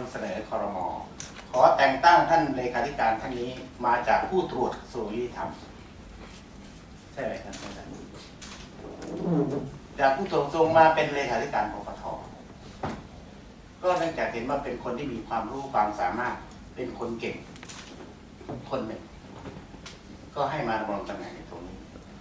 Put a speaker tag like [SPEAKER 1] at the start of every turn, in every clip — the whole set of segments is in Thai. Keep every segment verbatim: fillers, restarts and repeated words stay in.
[SPEAKER 1] ำเสนอครม.ขอแต่งตั้งท่านเลขาธิการท่านนี้มาจากผู้ตรวจกระทรวงยุติธรรมใช่ไหมครับท่านจากผู้ตรวจกระทรวงมาเป็นเลขาธิการปปท.ก็เนื่องจากเห็นว่าเป็นคนที่มีความรู้ความสามารถเป็นคนเก่งคนหนึ่งก็ให้มาดำรงตำแหน่งในตรงนี้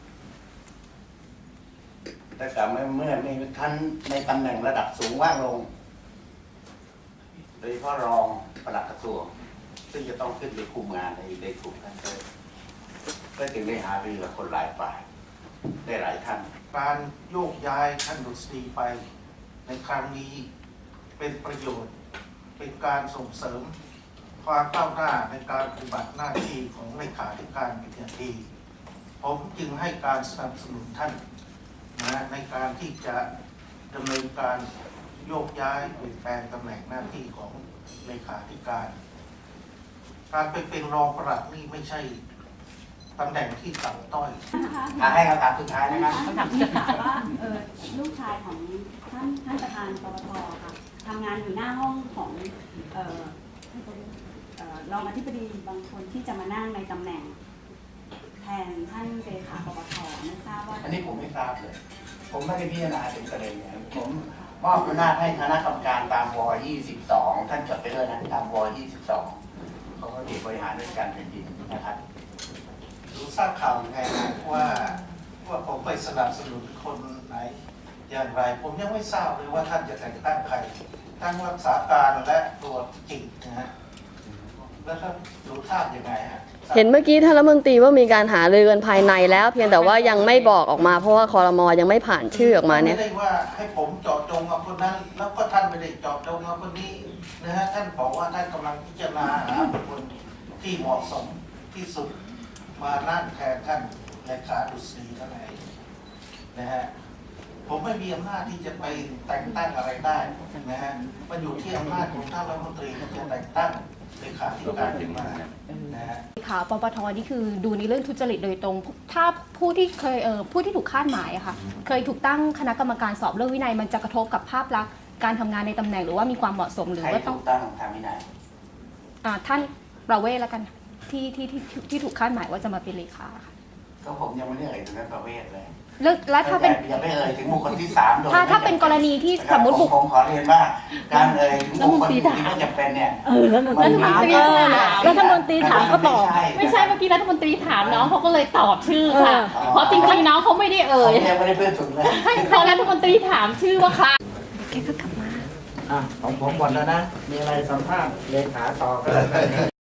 [SPEAKER 1] แต่กลับเมื่อเมื่อมีท่านในตำแหน่งระดับสูงว่างลงโดยเฉพาะรองปลัดกระทรวงซึ่งจะต้องขึ้นไปคุมงานในในกลุ่มท่านเลยก็จึงได้หารือกับคนหลายฝ่ายได้หลายท่าน
[SPEAKER 2] การโยกย้ายท่านดุษฎีไปในครั้งนี้เป็นประโยชน์เป็นการส่งเสริมความก้าวหน้าในการปฏิบัติหน้าที่ของเลขาธิการเป็นอย่างดีผมจึงให้การสนับสนุนท่านนะในการที่จะดำเนินการโยกย้ายเปลี่ยนแปลงตำแหน่งหน้าที่ของเลขาธิการ การไปเป็นรองปลัดนี่ไม่ใช่ตำแหน่งที่ต่ำต้อย
[SPEAKER 1] ให้คำถามสุดท้ายนะครับ
[SPEAKER 3] คำถามสุดท้ายว่าเออลูกชายของท่านท่านประธานปปทค่ะทำงานอยู่หน้าห้องของเอ่อรองอธิบดีบางคนที่จะมานั่งในตำแหน่งแทนท่านเลขาปปทไม่ทราบว่า
[SPEAKER 1] อันนี้ผมไม่ทราบเลยผมไม่ได้พิจารณาถึงประเด็นนี้ผมมอบอำนาจให้คณะกรรมการตามวยี่สิบสองท่านจดไปด้วยนะตามวยี่สิบสองเขาก็เด็กบริหารราชการแผ่นดินนะครับ
[SPEAKER 2] รู้ทราบข่าวยังไงนะว่าว่าผมไปสนับสนุนคนไหนอย่างไรผมยังไม่ทราบเลยว่าท่านจะแต่งตั้งใครทั้งรักษาการและตัวจริงนะฮะแล้วท่านรู้ทราบยังไงฮะ
[SPEAKER 4] เห็นเมื่อกี้ท่านรัฐมนตรีว่ามีการหารือกันภายในแล้วเพียงแต่ว่ายังไม่บอกออกมาเพราะว่าครม.ยังไม่ผ่านชื่อออกมาเนี่ย
[SPEAKER 2] ไม่ได้ว่าให้ผมเจาะจงกับคนนั้นแล้วก็ท่านไม่ได้เจาะจงกับคนนี้นะฮะท่านบอกว่าท่านกำลังพิจารณาหาบุคคลที่เหมาะสมที่สุดมานั่งแทนท่านเลขาดุษฎีเท่านั้นนะฮะผมไม่มีอำนาจที่จะไปแต่งตั้งอะไรได้นะฮะมันอยู่ที่อำนาจของท่านรัฐมนตรีที่จะแต่งตั้งเลขาธิการขึ้นมานะฮะ
[SPEAKER 5] ค่ะปปทนี่คือดูในเรื่องทุจริตโดยตรง ถ้าผู้ที่เคยเอ่อผู้ที่ถูกคาดหมายอะค่ะเคยถูกตั้งคณะกรรมการสอบเรื่องวินัยมันจะกระทบกับภาพลักษณ์การทำงานในตำแหน่งหรือว่ามีความเหมาะสมหรือว่าต้อง
[SPEAKER 1] ตั้งทางวินัย
[SPEAKER 5] ท่านประเวศแล้วกันที่ที่ที่ที่ถูกคาดหมายว่าจะมาเป็นเลขาค่ะ
[SPEAKER 1] ก็ผมยังไม่ได้เอ่ยถึงนั้นประเวศเลย
[SPEAKER 5] แล้วถ้าเป็น
[SPEAKER 1] อย่าไปเอ่ยถึงบุคคลที่สาม
[SPEAKER 5] ถ้าถ้าเป็นกรณีที่สมมติบุคคล
[SPEAKER 1] ผมขอเรียนว่าการเอ่ยถึงบุคคลที่ไม่จำเป็นเนี่ย
[SPEAKER 3] เออรัฐมนตรีถามรัฐมนตรีถามก็ตอบ
[SPEAKER 6] ไม่ใช่เมื่อกี้รัฐมนตรีถามน้องเขาก็เลยตอบชื่อค่ะเพราะจริงๆน้องเขาไม่ได้เอ่ย
[SPEAKER 1] ยังไม่ได้เพื่อนถึงเลย
[SPEAKER 6] พอรัฐมนตรีถามชื่อว่าใคร
[SPEAKER 4] แกก็กลับมา
[SPEAKER 1] อ่ะของผมหมดแล้วนะมีอะไรสัมภาษณ์เลขาต่อก็